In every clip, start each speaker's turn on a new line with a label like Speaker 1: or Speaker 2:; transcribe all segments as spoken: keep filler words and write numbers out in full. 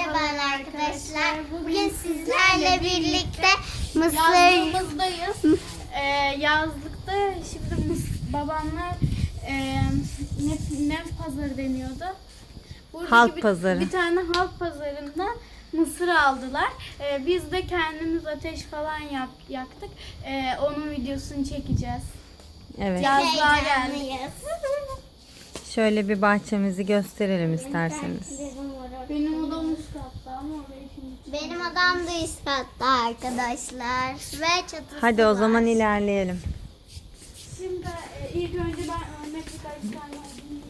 Speaker 1: Merhabalar arkadaşlar. Bugün sizlerle birlikte Mısır
Speaker 2: yazlığımızdayız. Ee, yazlıkta şimdi mıs- babamlar e, ne, ne pazarı deniyordu? Buradaki
Speaker 3: Halk
Speaker 2: bir,
Speaker 3: pazarı.
Speaker 2: Bir tane halk pazarından mısır aldılar. Ee, biz de kendimiz ateş falan yak, yaktık. Ee, onun videosunu çekeceğiz.
Speaker 3: Evet.
Speaker 2: Yazlığa geldik.
Speaker 1: heyecanlıyız.
Speaker 3: Şöyle bir bahçemizi gösterelim isterseniz.
Speaker 2: Benim odam üst katta ama orayı şimdi...
Speaker 1: Benim odam da üst katta arkadaşlar ve çatısı
Speaker 3: Hadi o
Speaker 1: var.
Speaker 3: zaman ilerleyelim.
Speaker 2: Şimdi e, ilk önce ben örnek birkaç tane alayım.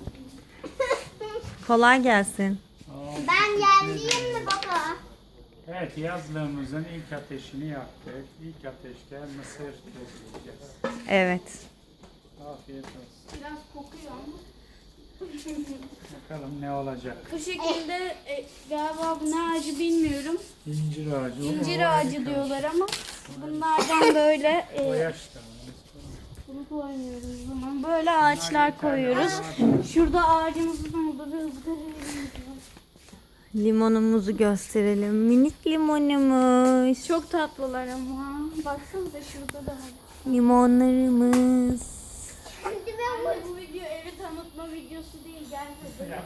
Speaker 3: Kolay gelsin.
Speaker 1: Ben geldiğim mi baba?
Speaker 4: Evet, yazlığımızın ilk ateşini yaktık. İlk ateşte mısır közleyeceğiz.
Speaker 3: Evet.
Speaker 4: Afiyet olsun.
Speaker 2: Biraz kokuyor ama.
Speaker 4: Bakalım ne olacak.
Speaker 2: Bu şekilde e, galiba bu ne ağacı bilmiyorum.
Speaker 4: İncir ağacı.
Speaker 2: İncir ağacı diyorlar ama bunlardan böyle e,
Speaker 4: O yaşta.
Speaker 2: bunu koymuyoruz o zaman. Böyle ağaçlar koyuyoruz. Şurada ağacımızın orada bir ızgara var.
Speaker 3: Limonumuzu gösterelim. Minik limonumuz.
Speaker 2: Çok tatlılar ama. Baksanıza şurada da var.
Speaker 3: Limonlarımız.
Speaker 1: Şimdi ben
Speaker 2: Anne, bu video evi tanıtma videosu değil, gelmedi.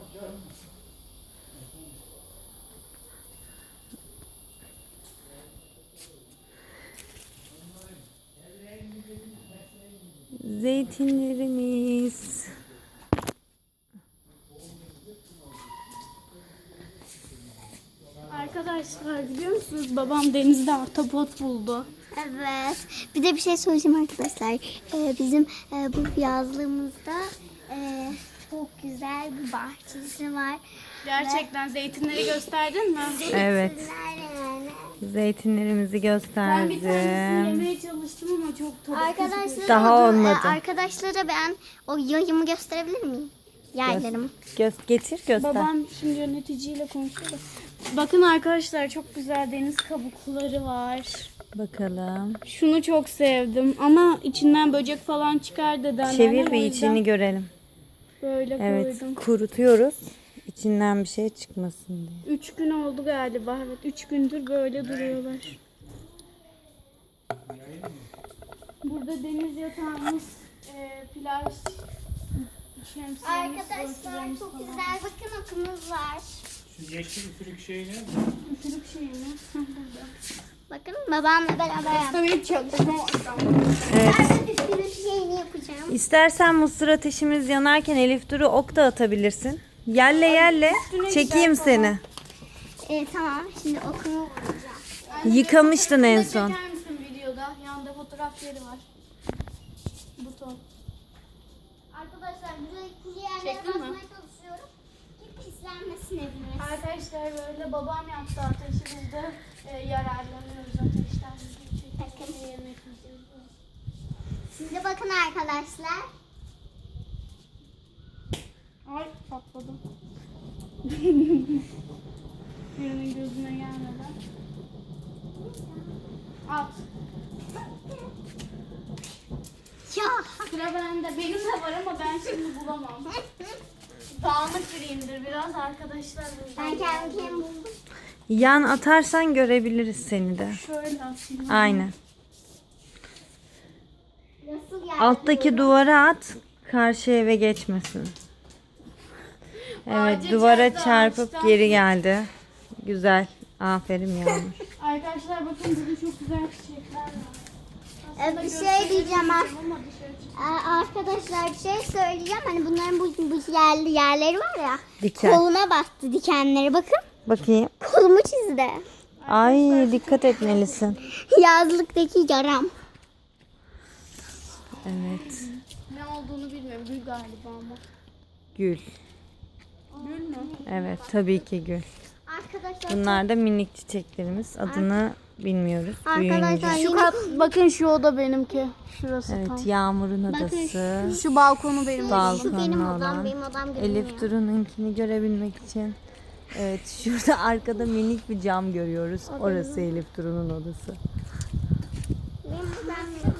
Speaker 3: Zeytinlerimiz.
Speaker 2: Arkadaşlar biliyor musunuz babam denizde ahtapot buldu.
Speaker 1: Evet. Bir de bir şey söyleyeceğim arkadaşlar. Ee, bizim e, bu yazlığımızda e, çok güzel bir bahçesi var.
Speaker 2: Gerçekten zeytinleri gösterdin mi?
Speaker 3: Evet.
Speaker 1: Güzel yani.
Speaker 3: Zeytinlerimizi
Speaker 2: Ben bir tanesini
Speaker 3: gösterdim.
Speaker 2: yemeye çalıştım ama çok tadı
Speaker 1: Arkadaşlara,
Speaker 3: Daha olmadı.
Speaker 1: e, arkadaşlara ben o yayımı gösterebilir miyim? Yaylarımı.
Speaker 3: Göz getir göster.
Speaker 2: Babam şimdi yöneticiyle konuşuyor da. Bakın arkadaşlar çok güzel deniz kabukları var.
Speaker 3: Bakalım.
Speaker 2: Şunu çok sevdim ama içinden böcek falan çıkar dedemler.
Speaker 3: Çevir
Speaker 2: O
Speaker 3: bir
Speaker 2: yüzden
Speaker 3: içini görelim.
Speaker 2: Böyle
Speaker 3: Evet,
Speaker 2: koydum.
Speaker 3: kurutuyoruz. İçinden bir şey çıkmasın diye.
Speaker 2: Üç gün oldu galiba. Evet, üç gündür böyle duruyorlar. Burada deniz yatağımız, e, plaj, şemsiyemiz,
Speaker 1: Arkadaşlar
Speaker 2: örtülerimiz
Speaker 1: çok
Speaker 2: falan.
Speaker 1: güzel bakın okumuz var.
Speaker 4: Şu yeşil üfürük şey ne?
Speaker 2: Üfürük şeyi mi? Burada.
Speaker 1: Bakın babamla beraber yaptık.
Speaker 2: Tabii çok
Speaker 3: Evet.
Speaker 1: Ben de üstünün şeyini yapacağım.
Speaker 3: İstersen mısır ateşimiz yanarken Elif Duru ok da atabilirsin. Yelle yelle çekeyim seni.
Speaker 1: Ee, tamam şimdi okumu vuracağım.
Speaker 3: Yıkamıştın en son.
Speaker 2: Çeker misin videoda? Yanında fotoğraf yeri var. Buton.
Speaker 1: Arkadaşlar güzel kuru yerlere
Speaker 2: Çektin mi?
Speaker 1: basmaya çalışıyorum. Ki pislenmesin evimiz.
Speaker 2: Arkadaşlar böyle babam yaptı ateşi biz de e, yararlanıyoruz ateşten.
Speaker 1: Bakın.
Speaker 2: Yemek yiyeceğiz.
Speaker 1: Şimdi bakın arkadaşlar.
Speaker 2: Ay patladım. Birinin gözüne gelmeden. At.
Speaker 1: Ya.
Speaker 2: Sıra bende. Benim de var ama ben şimdi bulamam. Dağınık biriyimdir biraz arkadaşlar.
Speaker 1: Ben kendimi buldum.
Speaker 3: Yan atarsan görebiliriz seni de.
Speaker 2: Şöyle atayım.
Speaker 3: Aynen.
Speaker 1: Nasıl yani?
Speaker 3: Alttaki duvara at. Karşı eve geçmesin. Evet,
Speaker 2: Ağaca
Speaker 3: duvara
Speaker 2: çarptı,
Speaker 3: çarpıp
Speaker 2: ağaçtan.
Speaker 3: geri geldi. Güzel. Aferin Yağmur.
Speaker 2: Arkadaşlar bakın burada çok güzel çiçekler var.
Speaker 1: Ee,
Speaker 2: Aslında
Speaker 1: bir şey
Speaker 2: gösterelim
Speaker 1: diyeceğim ar-
Speaker 2: ama dışarı çık-
Speaker 1: Ee, arkadaşlar bir şey söyleyeceğim. Hani bunların bu, bu yerli yerleri var ya.
Speaker 3: Diken.
Speaker 1: Koluna bastı dikenleri bakın.
Speaker 3: Bakayım.
Speaker 1: Kolumu çizdi.
Speaker 3: Ay dikkat etmelisin.
Speaker 1: Yazlıktaki yaram.
Speaker 3: Evet.
Speaker 2: Ne olduğunu bilmiyorum. Gül galiba ama.
Speaker 3: Gül.
Speaker 2: Gül mü?
Speaker 3: Evet tabii ki gül.
Speaker 1: Arkadaşlar
Speaker 3: Bunlar da minik çiçeklerimiz. Adını bilmiyoruz.
Speaker 1: Arkadaşlar
Speaker 3: Büyüyünce.
Speaker 2: Şu kat, bakın şu oda benimki. Şurası tam.
Speaker 3: Evet, Yağmur'un odası.
Speaker 2: Şu balkonu benim.
Speaker 1: şu
Speaker 3: Balkonlu
Speaker 1: benim odam,
Speaker 3: olan.
Speaker 1: benim odam görünüyor.
Speaker 3: Elif Duru'nunkini görebilmek için. Evet, şurada arkada minik bir cam görüyoruz. Orası Elif Duru'nun odası.
Speaker 1: Benim odam.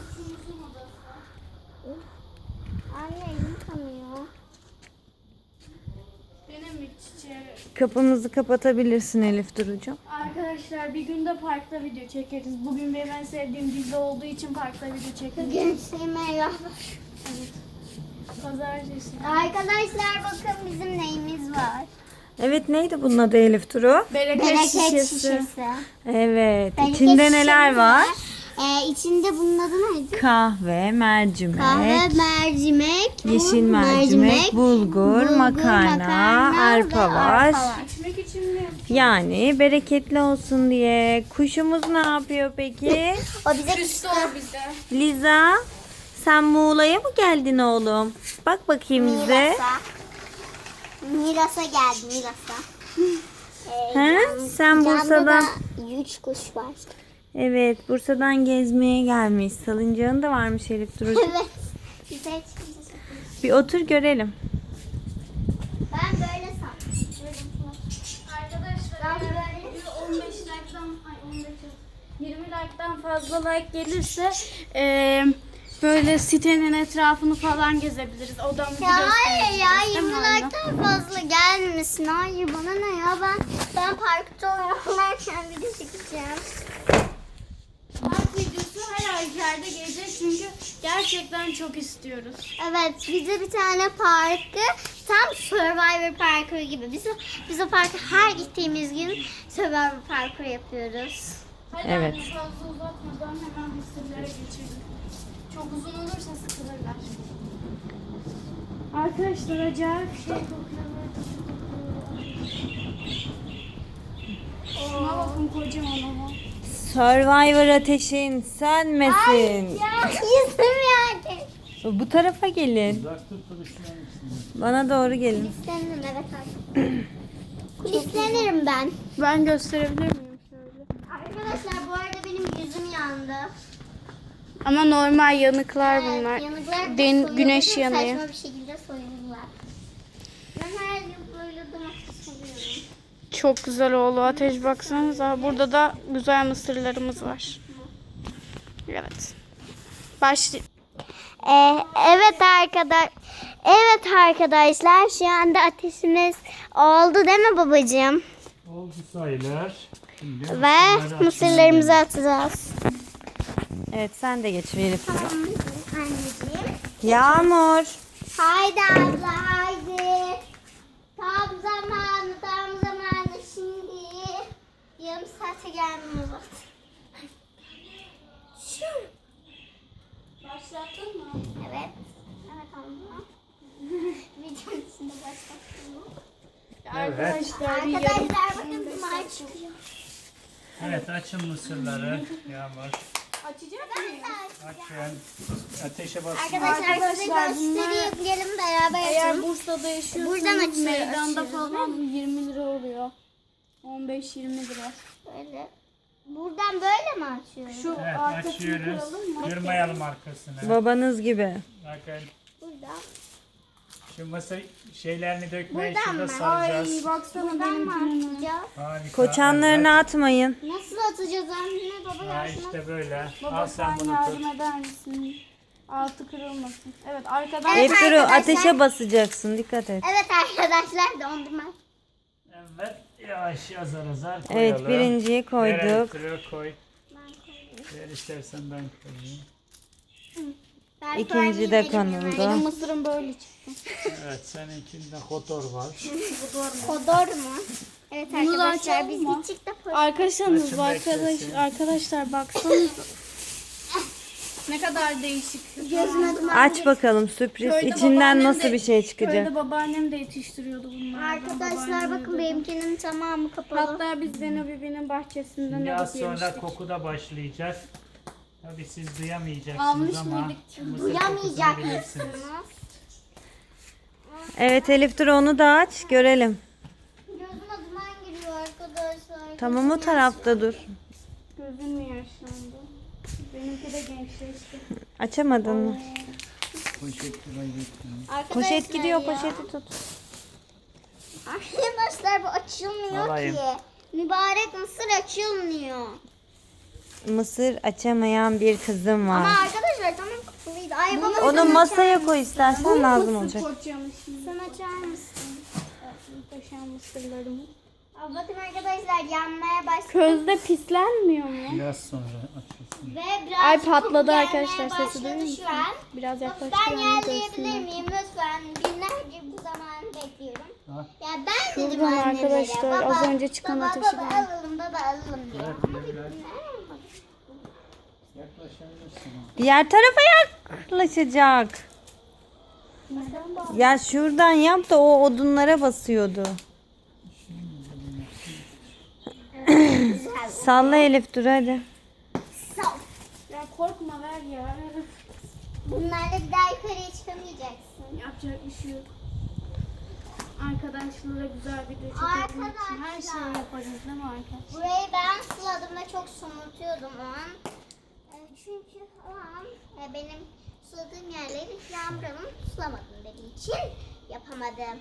Speaker 1: Anne elim kanıyor.
Speaker 2: Benim bir çiçeğim.
Speaker 3: Kapımızı kapatabilirsin Elif Duru'cum.
Speaker 2: Arkadaşlar bir günde parkta video çekeriz. Bugün benim en sevdiğim dizi olduğu için parkta video çekeriz.
Speaker 1: Bugün Sümeyra.
Speaker 2: Pazartesi.
Speaker 1: Arkadaşlar bakın bizim neyimiz var.
Speaker 3: Evet, neydi bunun adı Elif Duru?
Speaker 2: Bereket,
Speaker 1: Bereket
Speaker 2: şişesi.
Speaker 1: şişesi.
Speaker 3: Evet.
Speaker 1: Bereket
Speaker 3: İçinde neler
Speaker 1: şişemiz
Speaker 3: var?
Speaker 1: Ee, içinde bunun adı neydi?
Speaker 3: Kahve, mercimek,
Speaker 1: Kahve, mercimek,
Speaker 3: yeşil
Speaker 1: un,
Speaker 3: mercimek, bulgur,
Speaker 1: bulgur,
Speaker 3: makarna,
Speaker 1: makarna
Speaker 3: arpa
Speaker 1: ve
Speaker 3: var.
Speaker 1: arpa var.
Speaker 2: İçmek için mi?
Speaker 3: Yani bereketli olsun diye. Kuşumuz ne yapıyor peki?
Speaker 1: O bize
Speaker 2: Küstü o bize.
Speaker 3: Liza, sen Muğla'ya mı geldin oğlum? Bak bakayım bize.
Speaker 1: Miras'a. Miras'a geldi Miras'a. Ee,
Speaker 3: He?
Speaker 1: yan-
Speaker 3: Sen
Speaker 1: yanda
Speaker 3: Bursa'dan-
Speaker 1: da üç kuş var.
Speaker 3: Evet, Bursa'dan gezmeye gelmiş. Salıncağın da varmış Elif Duru'cum.
Speaker 1: Evet. Güzel çıkmış.
Speaker 3: Bir otur görelim.
Speaker 1: Ben böyle sandım.
Speaker 2: Arkadaşlar
Speaker 1: Ben
Speaker 2: eğer
Speaker 1: böyle-
Speaker 2: video on beş like'dan ay on beş yirmi like'dan fazla like gelirse eee böyle sitenin etrafını falan gezebiliriz. Odamızı
Speaker 1: Ya hayır ya
Speaker 2: gösteririz, değil mi
Speaker 1: yirmi
Speaker 2: anne?
Speaker 1: like'tan fazla gelmesin. Hayır bana ne ya ben ben parkta oynarken video çekeceğim.
Speaker 2: Park videosu her ay yerde gelecek çünkü gerçekten çok istiyoruz.
Speaker 1: Evet bize bir tane parkı tam Survivor parkuru gibi. Biz o, biz o parkı her gittiğimiz gün Survivor parkuru yapıyoruz.
Speaker 2: Hadi
Speaker 3: Evet.
Speaker 2: anne fazla uzatmadan hemen mısırlara geçelim. Çok uzun olursa sıkılırlar. Arkadaşlar acayip şey kokuyorlar. Şuna bakın kocaman ama.
Speaker 3: Survivor ateşin sönmesin.
Speaker 1: Ya yüzüm yani.
Speaker 3: Bu tarafa gelin.
Speaker 4: Uzak tut duruşunun içinde.
Speaker 3: Bana doğru gelin.
Speaker 1: Kulislenirim evet artık. Kulislenirim ben.
Speaker 2: Ben gösterebilir miyim şöyle?
Speaker 1: Arkadaşlar bu arada benim yüzüm yandı.
Speaker 2: Ama normal yanıklar
Speaker 1: Evet,
Speaker 2: bunlar.
Speaker 1: yanıklar da
Speaker 2: Den-
Speaker 1: soyuldu,
Speaker 2: güneş yanıyor.
Speaker 1: Saçma bir şekilde soyuldular. Ben her yıl böyle domates soyuyorum.
Speaker 2: Çok güzel oldu ateş baksanıza. Burada da güzel mısırlarımız var. Evet. Başlı.
Speaker 1: Ee, evet arkadaş. Evet arkadaşlar şu anda ateşimiz oldu değil mi babacığım?
Speaker 4: Oldu sayılar. Şimdi
Speaker 1: Ve
Speaker 4: mısırları
Speaker 1: mısırlarımızı atacağız.
Speaker 3: Evet, sen de geç Elif Duru.
Speaker 1: Anneciğim.
Speaker 3: Yağmur.
Speaker 1: Haydi abla haydi. Tam zamanı tam zamanı şimdi. Yarım saate gelmiyor.
Speaker 2: Başlattın mı?
Speaker 1: Evet. Evet abla. Videonun içinde başlattım mı?
Speaker 2: Arkadaşlar bir yarım.
Speaker 1: Arkadaşlar bakın duman çıkıyor.
Speaker 4: Evet, açın mısırları. Yağmur.
Speaker 2: Açacak mıyım?
Speaker 4: Açın. Ateşe basın.
Speaker 1: Arkadaşlar, size
Speaker 2: Arkadaşlar,
Speaker 1: göstereyim. Gelin beraber
Speaker 2: Eğer
Speaker 1: açalım.
Speaker 2: Bursa'da yaşıyorsanız
Speaker 1: Buradan açıyoruz,
Speaker 2: meydanda
Speaker 1: açıyoruz,
Speaker 2: falan yirmi lira oluyor. on beş yirmi lira.
Speaker 1: Böyle. Buradan böyle mi açıyoruz?
Speaker 2: Şu
Speaker 4: Evet,
Speaker 2: arkasını
Speaker 4: açıyoruz.
Speaker 2: kıralım mı?
Speaker 4: Kırmayalım arkasını.
Speaker 3: Babanız gibi.
Speaker 4: Bakın.
Speaker 1: Buradan.
Speaker 4: Şu mısır şeylerini dökmeyi
Speaker 1: Buradan
Speaker 4: şurada
Speaker 1: mı?
Speaker 4: saracağız.
Speaker 2: Ay baksana
Speaker 1: Buradan mı
Speaker 2: benimkinin.
Speaker 1: atacağız?
Speaker 4: Harika.
Speaker 3: Koçanlarını
Speaker 4: evet.
Speaker 3: atmayın.
Speaker 1: Nasıl atacağız anne? Baba
Speaker 4: Ha,
Speaker 1: yardım et.
Speaker 4: işte böyle.
Speaker 2: Baba
Speaker 4: Al
Speaker 2: sen
Speaker 4: sen bunu
Speaker 2: yardım
Speaker 4: tut.
Speaker 2: eder misin? Altı kırılmasın. Evet arkadan.
Speaker 1: Evet.
Speaker 3: Elif Duru,
Speaker 1: arkadaşlar.
Speaker 3: ateşe basacaksın. Dikkat et.
Speaker 1: Evet arkadaşlar dondurma.
Speaker 4: Evet. Yavaş azar azar koyalım.
Speaker 3: Evet, birinciyi
Speaker 4: Ver
Speaker 3: koyduk.
Speaker 4: elektriği koy. Ver istersen ben koyayım.
Speaker 1: Ben
Speaker 3: İkinci de
Speaker 1: koyayım,
Speaker 3: konuldu.
Speaker 2: Benim mısırım böyle çıktı.
Speaker 4: Evet, seninkinde kotor var.
Speaker 1: Kodor mu? Evet
Speaker 2: Bunu da
Speaker 1: arkadaşlar
Speaker 2: açalım
Speaker 1: biz
Speaker 2: mı?
Speaker 1: küçük de
Speaker 2: Arkadaşlarımız
Speaker 4: Açın
Speaker 2: var
Speaker 4: beklesin.
Speaker 2: arkadaş, arkadaşlar baksanıza. Ne kadar değişik.
Speaker 1: gözüme duman
Speaker 3: Aç
Speaker 1: girdi.
Speaker 3: bakalım sürpriz.
Speaker 2: Köyde
Speaker 3: İçinden
Speaker 2: babaannem
Speaker 3: nasıl
Speaker 2: de-
Speaker 3: bir şey çıkacak?
Speaker 2: Köyde babaannem de yetiştiriyordu bunları.
Speaker 1: Arkadaşlar bakın benimkinin tamamı kapalı.
Speaker 2: Hatta biz Zeno Bibi'nin bahçesinden
Speaker 4: Şimdi
Speaker 2: alıp
Speaker 4: az sonra
Speaker 2: yemiştik.
Speaker 4: koku da başlayacak. Tabii siz duyamayacaksınız
Speaker 2: Almış
Speaker 4: ama
Speaker 2: mıydık?
Speaker 4: mısır kokusunu
Speaker 1: Duyamayacak
Speaker 4: bilirsiniz.
Speaker 1: mısınız?
Speaker 3: Evet Elif Duru, onu da aç görelim.
Speaker 1: Gözüme duman giriyor arkadaşlar.
Speaker 3: Tamam, o
Speaker 1: Gözüm
Speaker 3: tarafta dur.
Speaker 2: Gözüm mü yaşlandı? Benimki de gençleşti.
Speaker 3: Açamadın mı?
Speaker 4: Poşet lirayı bekliyorum.
Speaker 1: Arkadaşlar
Speaker 3: Poşet gidiyor,
Speaker 1: ya.
Speaker 3: poşeti tut.
Speaker 1: Arkadaşlar bu açılmıyor
Speaker 4: Alayım.
Speaker 1: ki. Mübarek mısır açılmıyor.
Speaker 3: Mısır açamayan bir kızım
Speaker 1: Ama
Speaker 3: var.
Speaker 1: arkadaşlar tamam kapalıydı. Ay baba
Speaker 3: Onu masaya koy istersen, lazım olacak.
Speaker 2: Kocamış.
Speaker 1: sen açar mısın?
Speaker 2: taşıyan mısırlarımız.
Speaker 1: Aa, bakın arkadaşlar yanmaya başladı.
Speaker 2: Közde pislenmiyor mu?
Speaker 4: Biraz sonra açılsın.
Speaker 1: Ve biraz
Speaker 2: Ay patladı
Speaker 1: gelmeye
Speaker 2: arkadaşlar, sesi
Speaker 1: başladı
Speaker 2: duyuyor musun?
Speaker 1: şu an.
Speaker 2: Biraz
Speaker 1: Ben
Speaker 2: yaklaştıralım
Speaker 1: yerleyebilir
Speaker 2: görsünler.
Speaker 1: miyim lütfen? Binlerce bu zamanı bekliyorum.
Speaker 4: Ha?
Speaker 1: Ya ben dedim
Speaker 2: Şuradan
Speaker 1: annemlere.
Speaker 2: arkadaşlar, az önce çıkan
Speaker 1: baba,
Speaker 2: ateşi
Speaker 1: baba
Speaker 2: ben-
Speaker 1: alalım baba alalım diye.
Speaker 4: Evet,
Speaker 1: Ama
Speaker 4: evet,
Speaker 1: bir
Speaker 4: evet.
Speaker 1: günler olmadı.
Speaker 4: Yaklaşabilirsin.
Speaker 3: Diğer tarafa yaklaşacak. Ya şuradan yap da o odunlara basıyordu.
Speaker 1: Güzel.
Speaker 3: Salla Elif dur hadi.
Speaker 1: Sağ ol.
Speaker 2: Ya korkma ver ya.
Speaker 1: Bunlarla bir daha yukarıya çıkamayacaksın.
Speaker 2: Yapacak bir şey yok. Arkadaşlarla güzel video çekebilmek için her
Speaker 1: Arkadaşlar.
Speaker 2: şeyi yaparız değil mi arkadaşlar?
Speaker 1: Burayı ben suladım ve çok somurtuyordum o an. E, çünkü o an e, benim suladığım yerleri Yağmur'un sulamadım dediği için yapamadım.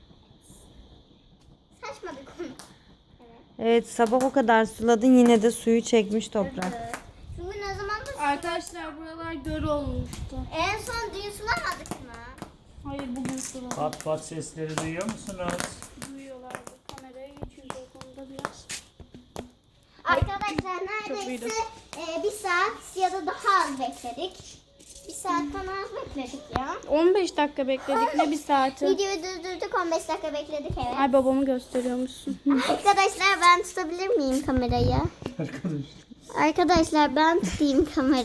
Speaker 1: Saçma bir konu. Evet.
Speaker 3: Evet sabah o kadar suladın yine de suyu çekmiş toprak.
Speaker 1: Evet. Çünkü ne zaman da
Speaker 2: Arkadaşlar buralar göl olmuştu.
Speaker 1: en son dün sulamadık mı?
Speaker 2: Hayır bugün suladım.
Speaker 4: Pat pat sesleri duyuyor musunuz?
Speaker 2: Duyuyorlardı. Kameraya geçiyoruz o konuda biraz.
Speaker 1: Arkadaşlar
Speaker 2: Çok iyiydi.
Speaker 1: neredeyse e, bir saat ya da daha az bekledik. Bir saatten az bekledik ya.
Speaker 2: on beş dakika bekledik ne bir saati.
Speaker 1: Videoyu durdurduk on beş dakika bekledik evet.
Speaker 2: Ay babamı gösteriyormuşsun.
Speaker 1: Arkadaşlar ben tutabilir miyim kamerayı?
Speaker 4: Arkadaş.
Speaker 1: Arkadaşlar ben tutayım kamerayı.